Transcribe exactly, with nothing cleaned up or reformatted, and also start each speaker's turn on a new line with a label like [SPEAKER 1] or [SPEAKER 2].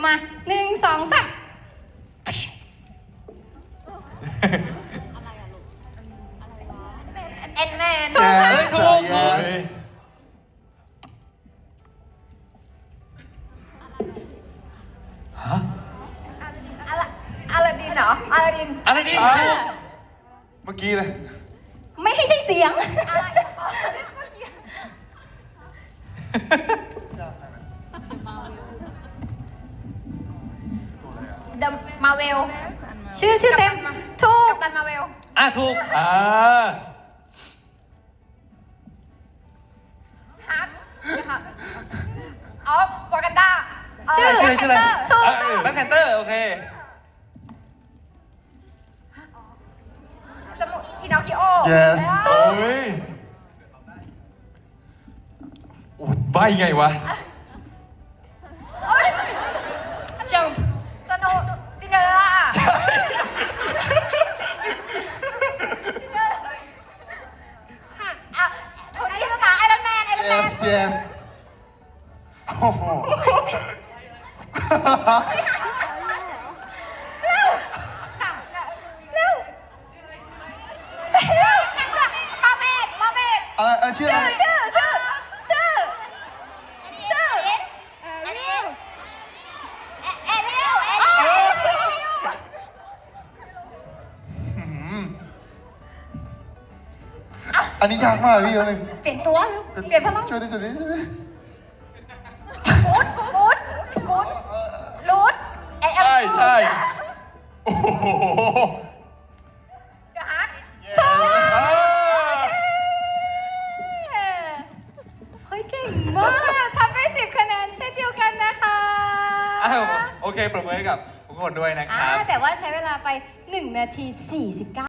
[SPEAKER 1] มาหนึ่งสองสาม
[SPEAKER 2] เอ็นแมน
[SPEAKER 1] ถูกค่ะ
[SPEAKER 3] เฮ้ยถูกถูก
[SPEAKER 2] อะไรอลาดินเหรออลาดิน
[SPEAKER 3] อะไรนี่ถูก
[SPEAKER 4] เมื่อกี้เลย
[SPEAKER 1] ไม่ให้ใช่เสียง
[SPEAKER 2] อะไร เดอะมาเวล
[SPEAKER 1] ชื่อชื่อเต็มถูก
[SPEAKER 2] กัปตันมาเวล
[SPEAKER 3] อ่ะถูกอ่า
[SPEAKER 2] ฮักอ๋อวากันดา
[SPEAKER 3] ชื่อชื่อชื่ออะไร
[SPEAKER 1] ถูก
[SPEAKER 3] แบ็คแพนเตอร์โอเค
[SPEAKER 2] จมูกพินอคคิโอ
[SPEAKER 4] yes
[SPEAKER 3] โอ้ยโอ้ยใบไงวะ
[SPEAKER 1] จัง
[SPEAKER 2] สโนซินเดอเรลล่าอ่ะโทนี่สตาร์ไอรอนแมนไอรอนแมน
[SPEAKER 4] yes yes โอ้โห
[SPEAKER 2] มาเมดมาเมด
[SPEAKER 4] อะไรเออชื่ออะไร
[SPEAKER 1] ชื่อชื่อชื่อชื่อ
[SPEAKER 2] เอเลียลเอเลียลเอเลียล
[SPEAKER 4] อันนี้ยากมากพี่คนหนึ่ง
[SPEAKER 1] เปลี่ยนตัวเร็วเปลี่ยนพลัง
[SPEAKER 4] ช่วยดิช่วยดิช่วยดิ
[SPEAKER 2] กูดกูดกูดรูดไอเอ็ม
[SPEAKER 3] ใช่ใช่โอ้โห
[SPEAKER 2] เดอะฮัก
[SPEAKER 1] ถูก
[SPEAKER 3] อ่า
[SPEAKER 1] เฮ้ยเก่งมากทำได้สิบคะแนนเช่นเดียวกันนะคะ
[SPEAKER 3] อ้าวโอเคปรบมือให้กับทุกคนด้วยนะค
[SPEAKER 1] อ่า
[SPEAKER 3] รับ
[SPEAKER 1] แต่ว่าใช้เวลาไปหนึ่งนาทีสี่สิบเก้า